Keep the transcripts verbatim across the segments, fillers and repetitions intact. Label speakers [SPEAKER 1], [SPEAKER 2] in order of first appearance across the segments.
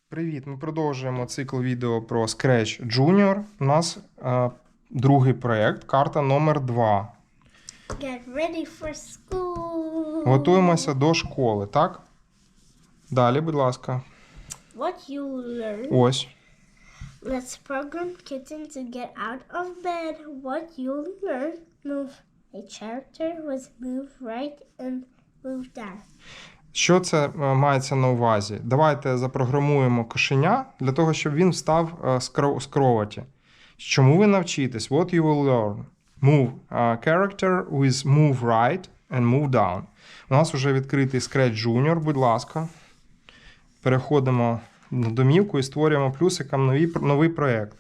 [SPEAKER 1] Привіт! Ми продовжуємо цикл відео про Scratch Junior. У нас е, другий проєкт, карта номер два.
[SPEAKER 2] Get ready for school.
[SPEAKER 1] Готуємося до школи, так? Далі, будь ласка.
[SPEAKER 2] What you learn.
[SPEAKER 1] Ось.
[SPEAKER 2] Let's program kitten to get out of bed. What you learn. Move. A character was move right and move down.
[SPEAKER 1] Що це е, мається на увазі? Давайте запрограмуємо кошеня для того, щоб він встав е, з кро- з кроваті. Чому ви навчитесь? What you will learn. Move uh, character with move right and move down. У нас вже відкритий Scratch Junior, будь ласка. Переходимо на домівку і створюємо плюсиком новий, новий проєкт.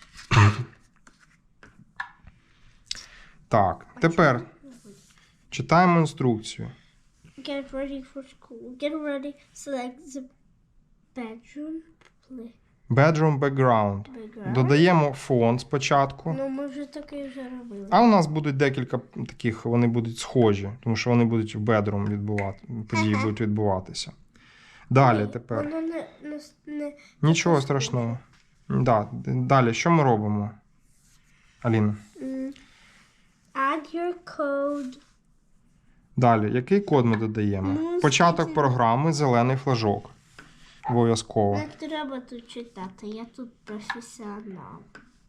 [SPEAKER 1] Так, тепер читаємо інструкцію.
[SPEAKER 2] Get ready for school. Get ready. Select the bedroom. Play.
[SPEAKER 1] Bedroom background.
[SPEAKER 2] Background.
[SPEAKER 1] Додаємо фон спочатку.
[SPEAKER 2] Ну, ми вже таке вже робили.
[SPEAKER 1] А у нас будуть декілька таких, вони будуть схожі, тому що вони будуть в bedroom відбувати, події
[SPEAKER 2] Ага.
[SPEAKER 1] будуть відбуватися. Далі
[SPEAKER 2] Ні,
[SPEAKER 1] тепер.
[SPEAKER 2] Воно не, не, не
[SPEAKER 1] Нічого
[SPEAKER 2] таке
[SPEAKER 1] страшного. Да, далі, що ми робимо? Аліна.
[SPEAKER 2] Mm. Add your code.
[SPEAKER 1] Далі, який код ми додаємо?
[SPEAKER 2] Ну,
[SPEAKER 1] Початок
[SPEAKER 2] скільки-
[SPEAKER 1] програми, зелений флажок. Обов'язково.
[SPEAKER 2] Не треба тут читати, я тут професіонал.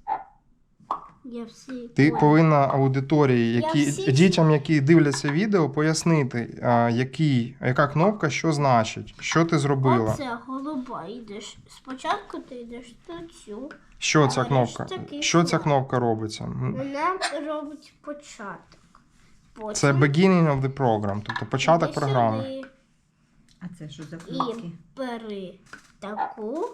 [SPEAKER 2] Я всі...
[SPEAKER 1] Ти
[SPEAKER 2] Ой,
[SPEAKER 1] повинна аудиторії, які,
[SPEAKER 2] Я всі-
[SPEAKER 1] дітям, які дивляться відео, пояснити, а, який, яка кнопка що значить, що ти зробила.
[SPEAKER 2] Оце голуба йдеш. Спочатку ти йдеш на цю.
[SPEAKER 1] Що ця
[SPEAKER 2] Але
[SPEAKER 1] кнопка?
[SPEAKER 2] ж такий
[SPEAKER 1] Що ця
[SPEAKER 2] флаг.
[SPEAKER 1] кнопка робиться? М,
[SPEAKER 2] Вона робить початок. Потім
[SPEAKER 1] Це beginning of the program, тобто початок
[SPEAKER 2] іди
[SPEAKER 1] програми.
[SPEAKER 2] сюди
[SPEAKER 3] А це що за
[SPEAKER 2] І
[SPEAKER 3] кнопки?
[SPEAKER 2] бери таку.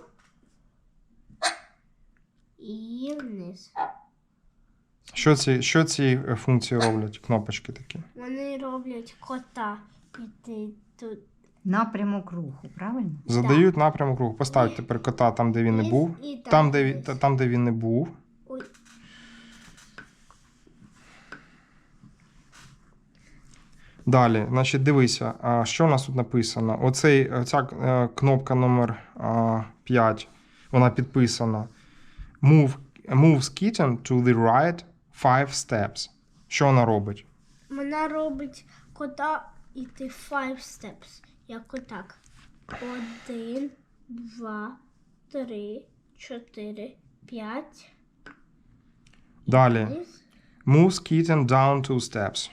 [SPEAKER 2] І вниз.
[SPEAKER 1] Що ці, що ці е, функції роблять, кнопочки такі?
[SPEAKER 2] Вони роблять кота. І ти тут.
[SPEAKER 3] Напрямок руху, правильно?
[SPEAKER 1] Задають напрямок руху. Поставь тепер кота там, де він не
[SPEAKER 2] Вниз
[SPEAKER 1] був.
[SPEAKER 2] і там
[SPEAKER 1] Там, де, він-
[SPEAKER 2] вниз.
[SPEAKER 1] та- там, де він не був.
[SPEAKER 2] Ой.
[SPEAKER 1] Далі, значить, дивися, а, що у нас тут написано. Оцей, оця е, кнопка номер п'ять, вона підписана. Move, moves kitten to the right five steps. Що вона робить?
[SPEAKER 2] Вона робить кота іти five steps. Як отак. Один, два, три, чотири, п'ять.
[SPEAKER 1] Далі.
[SPEAKER 2] Вниз.
[SPEAKER 1] Moves kitten down two steps.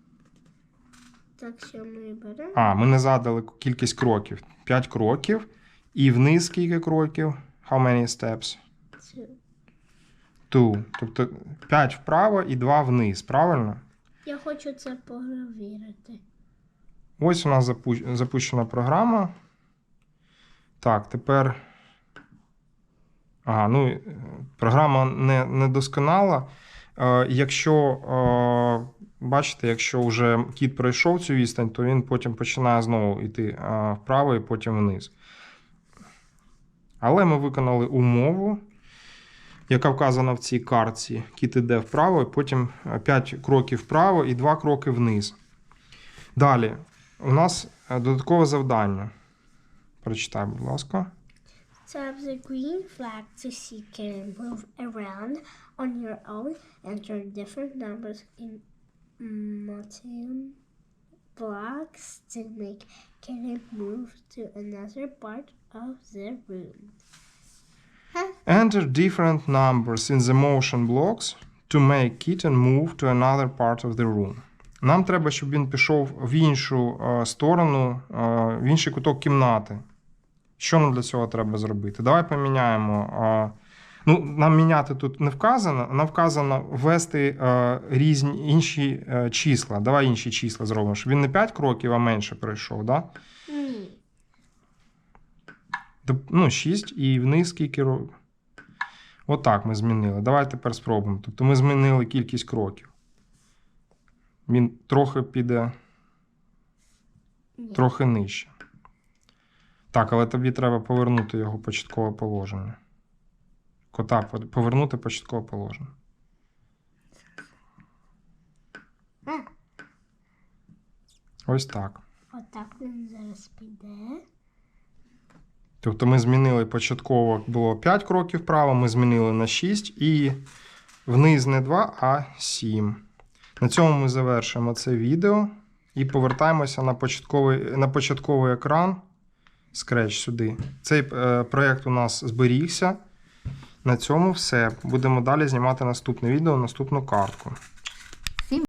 [SPEAKER 2] Так, що ми беремо?
[SPEAKER 1] А, ми не задали кількість кроків. п'ять кроків. І вниз скільки кроків? How many steps?
[SPEAKER 2] Цю.
[SPEAKER 1] Two. Тобто п'ять вправо і два вниз, правильно?
[SPEAKER 2] Я хочу це перевірити.
[SPEAKER 1] Ось у нас запу- запущена програма. Так, тепер. Ага, ну, е, програма не, не досконала. Е, якщо, е, бачите, якщо вже кіт пройшов цю відстань, то він потім починає знову йти е, вправо і потім вниз. Але ми виконали умову, яка вказана в цій картці. Кіт іде вправо, і потім п'ять кроків вправо і два кроки вниз. Далі. У нас е, додаткове завдання. Прочитай, будь ласка.
[SPEAKER 2] Tap the green flag to see can move around on your own. Enter different numbers in multiple blocks to make can move to another part of the room.
[SPEAKER 1] Enter different numbers in the motion blocks to make kitten move to another part of the room. Нам треба, щоб він пішов в іншу е, сторону, е, в інший куток кімнати. Що нам для цього треба зробити? Давай поміняємо. е, Ну, нам міняти тут не вказано, нам вказано ввести е, різні інші е, числа. Давай інші числа зробимо, щоб він не п'ять кроків, а менше пройшов, да?
[SPEAKER 2] Ні.
[SPEAKER 1] Доп- Ну, шість і вниз скільки років. Отак ми змінили. Давай тепер спробуємо. Тобто ми змінили кількість кроків. Він трохи піде
[SPEAKER 2] Ні.
[SPEAKER 1] трохи нижче. Так, але тобі треба повернути його початкове положення. Кота повернути початкове положення.
[SPEAKER 2] А,
[SPEAKER 1] Ось так.
[SPEAKER 2] отак він зараз піде.
[SPEAKER 1] Тобто ми змінили початково було п'ять кроків вправо, ми змінили на шість і вниз не два, а сім. На цьому ми завершуємо це відео і повертаємося на початковий, на початковий екран Scratch сюди. Цей е, проєкт у нас зберігся. На цьому все. Будемо далі знімати наступне відео, наступну картку.